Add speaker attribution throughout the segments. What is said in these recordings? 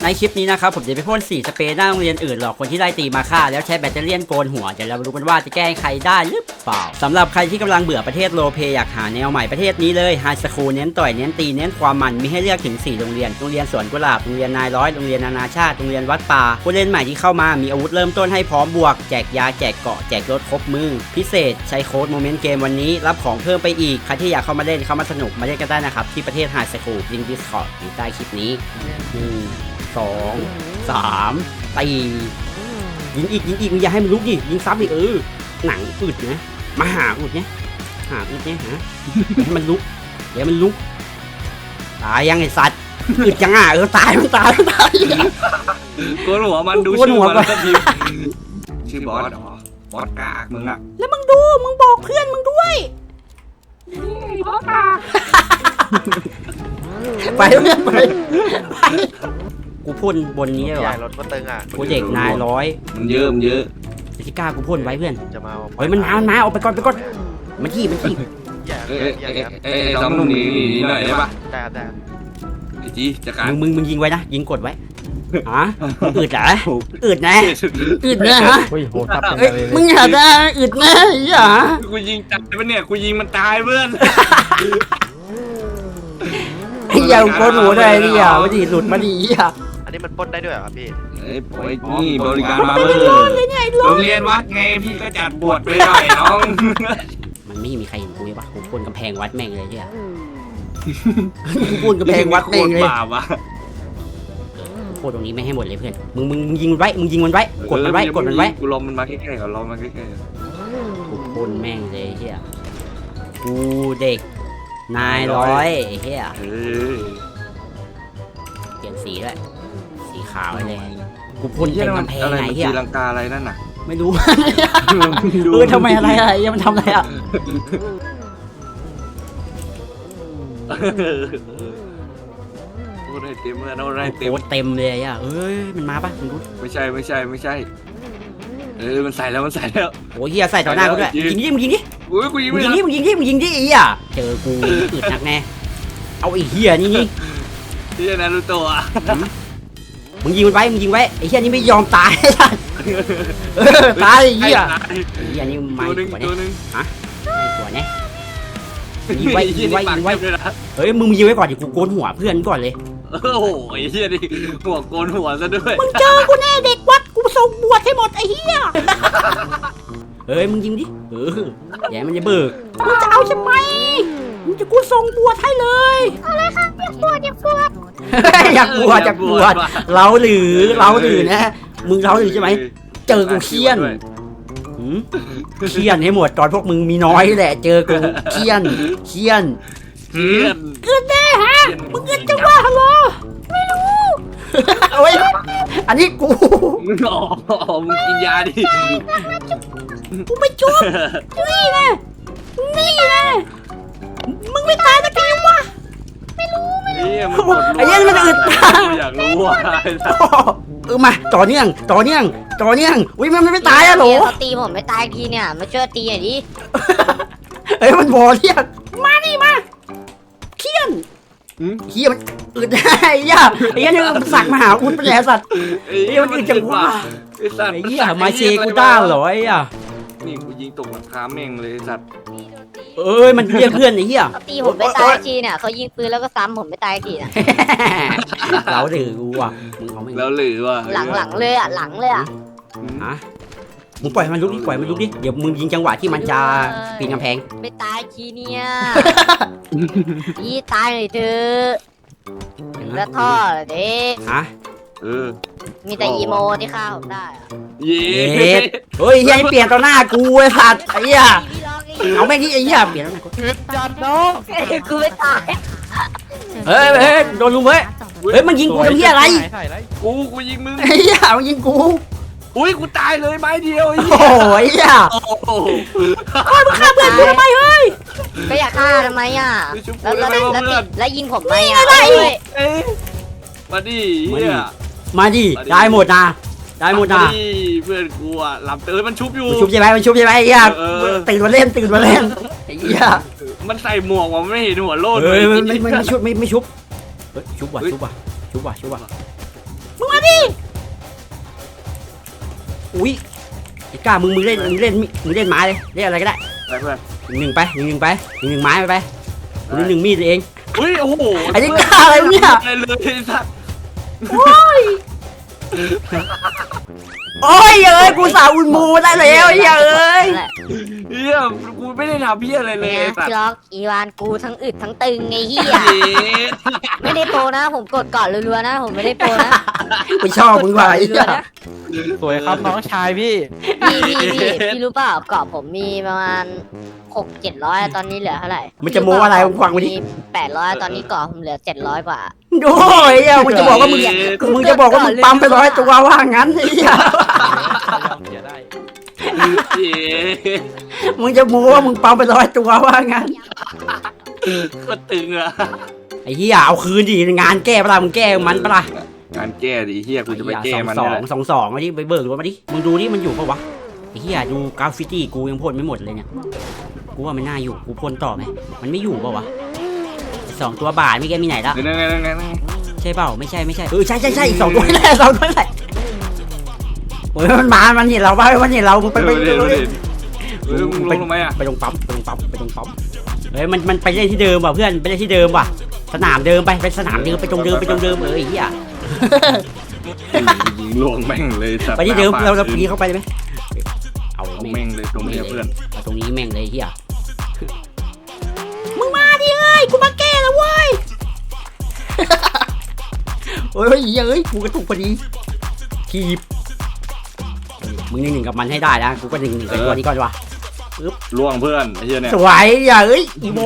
Speaker 1: ในคลิปนี้นะครับผมจะไปพ่นสีสเปรย์หน้าโรงเรียนอื่นหลอกคนที่ไล่ตีมาฆ่าแล้วใช้แบตเตอรี่โกนหัวเดี๋ยวเรามาดูกันว่าจะแก้ใครได้หรือเปล่าสำหรับใครที่กำลังเบื่อประเทศโลเพอยากหาแนวใหม่ประเทศนี้เลยไฮสคูลเน้นต่อยเน้นตีเน้นความมันมีให้เลือกถึง4โรงเรียนสวนกุหลาบโรงเรียนนายร้อยโรงเรียนนานาชาติโรงเรียนวัดป่าผู้เล่นใหม่ที่เข้ามามีอาวุธเริ่มต้นให้พร้อมบวกแจกยาแจกเกาะแจกรถครบมือพิเศษใช้โค้ดโมเมนต์เกมวันนี้รับของเพิ่มไปอีกใครที่อยากเข้ามาเล่นเข้ามาสนุกมาเล่นกันได้นะครับที่ประเทศไฮสคูลลิงก์ Discord อยู่ใต้คลิปนี้2 3 ตียิงอีกมึงอย่าให้มันลุกดิยิงซ้ำอีกหนังอึดนะมาหาอึดเนี่ยหาอึดเนี่ยฮะให้มันลุกเดี๋ยวมันลุกตายยังไอสัตว์อึดยังตายมันตาย
Speaker 2: โกนหัวมันดูชื่อมันก็พิมพ์ชื่อบอสเหรอบอสกากมึงอะ
Speaker 1: แล้วมึงดูมึงบอกเพื่อนมึงด้วยบอสกากไปเพื่อนไปกูพ่นบนนี้เหรอ
Speaker 3: รถก็ตึงอ่ะ
Speaker 1: กูเด็กนายร้อย
Speaker 2: มันเยอะ
Speaker 1: ที่กล้ากูพ่นไว้เพื่อน
Speaker 3: จะมา
Speaker 1: เฮ้ยมันมาออกไปก่อนมันที่
Speaker 2: สองหนุ่มหนีหน่อยได้ปะ
Speaker 3: ได้
Speaker 2: ไอ้จีจัดการ
Speaker 1: มึงยิงไว้นะยิงกดไว้อึดเหรออึดนะฮะมึงอย่าได้อึดนะอย่า
Speaker 2: กูยิงตายปะเนี่ยกูยิงมันตายเพื่อน
Speaker 1: อย่าโกนหัวได้ดิมาดิหลุดมาดิ
Speaker 3: อันนี้มันปล้นได้ด้วยเหรอครับพี่
Speaker 2: นี่บริการมาเลยโรงเรียนวัดไงพี่ก็จัดบวชไปหน่อยน้อง
Speaker 1: มันไม่มีใครเห็นกูเลยปะกูพ่นกำแพงวัดแม่งเลยเนี่ยกูพ่นกำแพงวัดแม่งเลยโคตรตรงนี้ไม่ให้หมดเลยเพื่อนมึงยิงมันไว้กดมันไว้
Speaker 2: กูลมมันมาใกล้ๆ
Speaker 1: กูพ่นแม่งเลยเฮียกูเด็กนายร้อยเฮียเปลี่ยนสีด้วยสีขาวเลยกูพ่นเต็มกำแพงไงเฮีย
Speaker 2: ตีลังกาอะไรนั่นน่ะ
Speaker 1: ไม่รู้ทำไมอะไรยังมันทำอะไร
Speaker 2: โอ้ได้เต็มเลยโอ้ได้เต็ม
Speaker 1: เต็มเลยมันมาปะมึงดู
Speaker 2: ไม่ใช่มันใส่แล้ว
Speaker 1: โอ้ยเฮียใส่ต่อหน้ากูด้วยยิงดิ
Speaker 2: อุ้ยกูยิง
Speaker 1: ดิเจอกูอึดหนักแน่เอาไอ้เฮียนี่
Speaker 2: ที่นารูโตะ
Speaker 1: มึงยิงมันไว้ไอ้เฮียนี่ไม่ยอมตายตายไอ้เฮียนี่ไม่
Speaker 2: ตัวนึง
Speaker 1: ฮะตัวเนี้ยยิงไว้เฮ้ยมึงยิงไว้ก่อนดิกูโกนหัวเพื่อนก่อนเลย
Speaker 2: โอ้โหไอ้เฮียนี่หัวโกนหัวซะด้วย
Speaker 1: มึงเจอกูแน่เด็กวัดกูส่งบวชให้หมดไอ้เฮียเฮ้ยมึงยิงดิอย่ามันจะเบิกมึงจะเอาใช่ไหมมึงจะกูส่งบวชให้เลยอะไรครับอยากบวชอยากบวชเราหรือนะมึงเราหรือใช่ไหมเจอกูเคี่ยนให้หมดตอนพวกมึงมีน้อยแหละเจอกูเคี่ยนเกิดแน่ฮะมึงเกิดจังวะฮัลโหลไม่รู้โอ้ยอันนี้กู
Speaker 2: มึงกินยาดิ
Speaker 1: กูไม่จุ๊บนี่นะมึงไม่ตายสักทีวะไม่รู้ไอ้ยังมันอึด
Speaker 2: อยากรู้ว่า
Speaker 1: มาต่อเนื่องอุ้ยมันไม่ตายอะโหล
Speaker 4: เขาตีผมไม่ตายทีเนี่ยมาช่วยตีหน่อยดิ
Speaker 1: เฮ้ยมันบอเรียกมานี่มาเคี่ยนมันอึดได้ไอ้ยังสักมาหาอุดเป็นแย่สัตว์ไอ้มันอึดจังวะไอ้เหี้ยมาเชกูด้าเหรอไอ้
Speaker 2: นี่กูยิงตกหลังคาแม่งเลยสัตว์
Speaker 1: มันเรียกเพื่อนไอ้เหี้ย
Speaker 4: เขาตีผมไม่ตายทีเนี่ยเขายิงปืนแล้วก็ซ้ำผมไม่ตายทีนะ
Speaker 1: เราหรือกูว่ะ
Speaker 2: เราหรือว่า
Speaker 4: หลังเลยอ่ะ
Speaker 1: ฮะมึงปล่อยมันลุกดิเดี๋ยวมึงยิงจังหวะที่มันจะปีนกำแพง
Speaker 4: ไม่ตายทีเนี่ยพี่ตายเลยเธอแล้วท่อเด็กมีแต่อีโมที่ฆ่าผมได้
Speaker 2: เย้
Speaker 1: เฮ้ยยังเปลี่ยนต่อหน้ากูไอ้สัตว์ไอ้เหี้ยเอาแม่งที่ไอ้เหี้ยเปลี่ยนต่อหน้ากู
Speaker 4: จัดน้องกูไม่ตาย
Speaker 1: เฮ้ยโดนลุมเฮ้ยมันยิงกูทำเหี้ยอะไร
Speaker 2: กูยิงมึง
Speaker 1: ไอ้เหี้ยมันยิงกู
Speaker 2: อุ้ยกูตายเลยไม้เดียวไอ้
Speaker 1: เหี้ยมึงฆ่าเพื่อนกูทำไมเฮ้ย
Speaker 4: ก็อยากฆ่าทำไมแล้วยิงผมไหม
Speaker 2: มาดิเฮีย
Speaker 1: มาดิได้หมดนะ
Speaker 2: เพื่อนกูอ่ะหลับมันชุบอยู่
Speaker 1: ใช่ไหมไอ้เหี้ยตื่นมาเล่นไอ้เหี้ย
Speaker 2: มันใส่หมวกว่ะไม่เห็นหัวโลด
Speaker 1: ไม่ชุบชุบว่ะอุ้ยไอ้กล้ามึงเล่นไม้เลยเล่นอะไรก็ได้
Speaker 2: ไปเพื่อน
Speaker 1: หนึ่งไปหนึ่งไม้ไปกูหนึ่งมีดเอง
Speaker 2: อุ้ยโอ้โห
Speaker 1: ไอ้นี่กล้าอะไรเนี่ย
Speaker 2: อะไรเลยไอ้สัตว์
Speaker 1: โอ้ยเอ้ยกูสาวอุ่นมูได้แล้วเอ้ย
Speaker 4: นั่นแหละ
Speaker 2: เฮียกูไม่ได้ทำเฮียอะไรเลย
Speaker 4: เนี่ย
Speaker 2: ไอ้สัต
Speaker 4: พี่
Speaker 2: ว์
Speaker 4: ล็อกอีวานกูทั้งอึดทั้งตึงไงเฮีย
Speaker 2: เย้
Speaker 4: ไม่ได้โปรนะ ผมกดก่อนรัวๆนะ ผมไม่ได้โปรนะ
Speaker 1: กูชอบมึงว่ะไอ้
Speaker 4: รั
Speaker 1: เหี้
Speaker 4: วย ๆนะ
Speaker 5: สวยครับน้องชายพี่
Speaker 4: พี่รู้เปล่าเกาะผมมีประมาณ600-700ตอนนี้เหลือเท่าไหร่
Speaker 1: มันจะโม้อะไรมึงฟังมาดิ
Speaker 4: มี800ตอนนี้เกาะผมเหลือ700กว่า
Speaker 1: โอ้ยเหี้ยมึงจะบอกว่ามึงปั๊มไป100ตัวว่างั้นไอ้เหี้ย
Speaker 5: เสียได้
Speaker 2: เย้
Speaker 1: มึงจะโม้ว่ามึงปั๊มไป100ตัวว่างั้น
Speaker 2: ก็ตึงอะ
Speaker 1: ไอ้เหี้ยเอาคืนดิงานแก้ปะล่ะมึงแก้มันปะล่ะ
Speaker 2: งานแก้ดิเฮียกูจะไปแก้มัน
Speaker 1: สอ
Speaker 2: เนี่ย
Speaker 1: งสองมาดิไปเบิกรถมาดิมึงดูดิมันอยู่ปะวะไอ้เหี้ยดูกราฟฟิตี้กูยังพ่นไม่หมดเลยเนี่ยกูว่ามันน่าอยู่กูพ่นต่อไหมมันไม่อยู่ปะวะ2ตัวบาทไม่แกมีไหนละ
Speaker 2: นั่น
Speaker 1: ใช่เปล่าไม่ใช่ใช่อีก2ตัวแหละ2ตัวแหละโอ้ยมันเห็นเราป่ะมันเห็นเรามึงไป
Speaker 2: มึงลงทำไมอะ
Speaker 1: ไปตรงปั๊มเฮ้ยมันไปเล่นที่เดิมว่ะเพื่อนไปเล่นที่เดิมว่ะสนามเดิมไปสนามเดิมไปตรงเดิมไอ้เหี้ย
Speaker 2: ยิงลวงแม่งเลยสัตว์
Speaker 1: ไปที่เดิมเราปีเข้าไปเลยไหมเอา
Speaker 2: แม่งเลยตรงนี้เพื่อน
Speaker 1: เอาตรงนี้แม่งเลยเฮียมึงมาดิเอ้ยกูมาแก้แล้วเว้ยเฮ้ยกูกระตุกพอดีทีบมึงหนึ่งกับมันให้ได้นะกูก็หนึ่งกับตัวนี้ก่อนวะ
Speaker 2: ล่วงเพื่อนไอ้เหี้ยเนี่ย
Speaker 1: สวยอย่าอีโม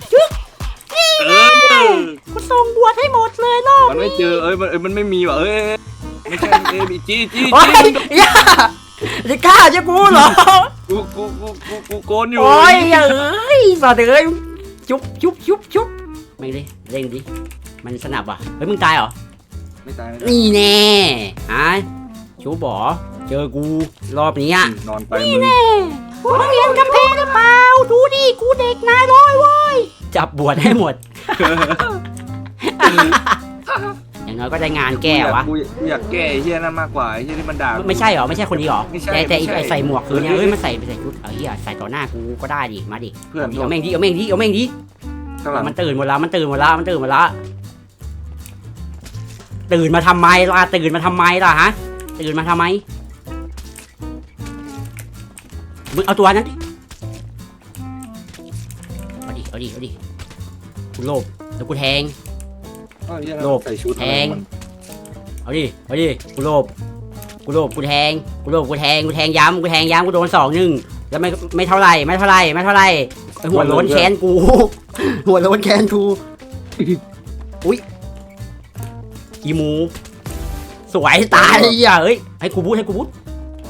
Speaker 2: เออ
Speaker 1: กูส่งบวชให้หมดเลยรอบ
Speaker 2: มันไม่เจอมันไม่มีว่ะไม่ใช่มีจี้
Speaker 1: โอ้ยอย่าจะกล้าจะกูเหรอ
Speaker 2: กูโกนอยู่
Speaker 1: โอ้ยสัตว์เอ้ยชุบไม่ดิเล่นดิมันสนับอ่ะเฮ้ยมึงตายเหรอ
Speaker 2: ไม่ตาย
Speaker 1: นี่แน่ฮะชูบอเจอกูรอบนี้
Speaker 2: นอนไปมึง
Speaker 1: กูเรียนกำแพงหรือเปล่าดูดิกูเด็กนายร้อยเว้ยจับบวชให้หมด อย่างน้อยก็ได้งานแก้วะ
Speaker 2: กูอยากแก้ไอ้เหี้ยนั่นมากกว่าไอ้เหี้ยที่มันด่า
Speaker 1: ไม่ใช่เหรอไม่ใช่คนนี้เหรอ
Speaker 2: ไม่ใช่
Speaker 1: แต่
Speaker 2: ไม่ใช่
Speaker 1: ไอ้ใส่หมวกคือเนี่ยเฮ้ยมันใส่ชุดเฮียใส่ต่อหน้ากูก็ได้ดิมาดิ
Speaker 2: เพื่อน
Speaker 1: เอาแม่งดิ
Speaker 2: ข้างหลัง
Speaker 1: มันตื่นหมดแล้วตื่นมาทำไมล่ะฮะตื่นมาทำไมมึงเอาตัวนั้นดิเอาดิกูโลภแล้วกูแทง โลภ
Speaker 2: ใส่ชุด
Speaker 1: แทง เอาดิกูโลภกูแทงย้ำกูโดน2-1แล้วไม่เท่าไหร่หัวโล้นแค้นกู อุ้ยอีหมูสวยตายเลยอ่ะเฮ้ยให้กูบูท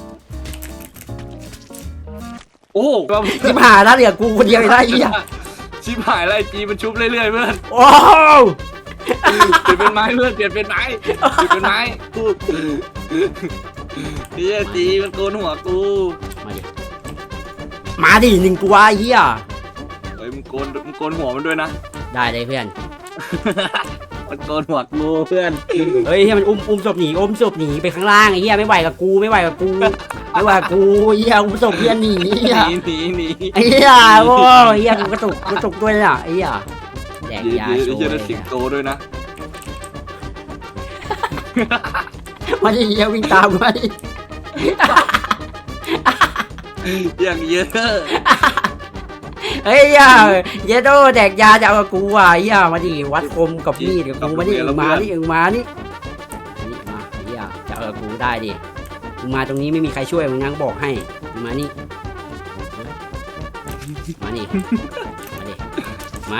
Speaker 2: โอ้โห
Speaker 1: ชิบหายแล้วเหลือกูคนเดียวอีกแล้วไอ้เหี้ย
Speaker 2: ชิบหายไรจีมันชุบเรื่อยๆเพื่อน
Speaker 1: โอ้
Speaker 2: เปลี่ยนเป็นไม้เพื่อนเปลี่ยนเป็นไม้เฮียจีมันโกนหัวกู
Speaker 1: มาดิ1ตัวไอ้เหี้ย
Speaker 2: เฮ้ยมึงโกนหัวมันด้วยนะ
Speaker 1: ได้เลยเพื่อน
Speaker 2: มันโกนหัวกูเพื่อน
Speaker 1: เฮ้ยให้มันอุ้มศพหนีไปข้างล่างไอ้เหี้ยไม่ไหวกับกูเหี้ยอุ้มศพเพื่อนหนีเหี้ย
Speaker 2: หนี
Speaker 1: ไอ้เหี้ยโอ้ยเหี้ยกูกระตุกด้วยน่ะไอ้เหี้ยแดกยาโชว์
Speaker 2: เยอะสิงโตด้วยนะ
Speaker 1: มาดิเหี้ยวิ่งตามมาดิ
Speaker 2: อย่างเยอะ
Speaker 1: เฮ้ยเยโดแดกยาจะเอากับกูว่ะเหี้ยมาดิวัดคมกับมีดกับกูมาดิมานี่มาเหี้ยจะเอากับกูได้ดิมึงมาตรงนี้ไม่มีใครช่วยมึงนั่งบอกให้มึงมานี่มา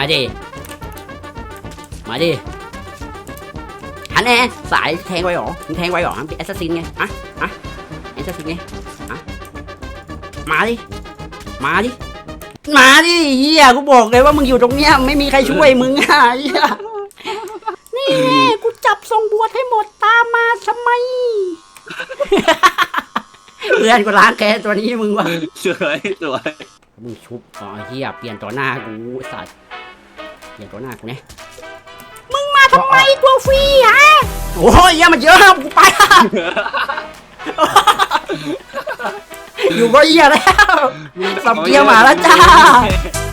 Speaker 1: ดิฮันแน่สายแทงไว้หรอมึงแทงไว้หรอมันเป็นแอสซัสซินไงอะแอสซัสซินไงมาดิเฮียกูบอกเลยว่ามึงอยู่ตรงเนี้ยไม่มีใครช่วยมึงอ่ะเฮียนี่แน่กูจับทรงบวชให้หมดตามมาทำไม เพื่อนกูล้างแค้นตัวนี้มึงวะ
Speaker 2: สวย
Speaker 1: มึงชุบอ๋อเฮียเปลี่ยนต่อหน้ากูสัตว์เปลี่ยนต่อหน้ากูเนี่ยมึงมาทำไมตัวฟรีฮะโอ้ยเฮียมันเยอะกูไปอยู่ก็เหี้ยแล้วสับเกียร์หมาแล้วจ้า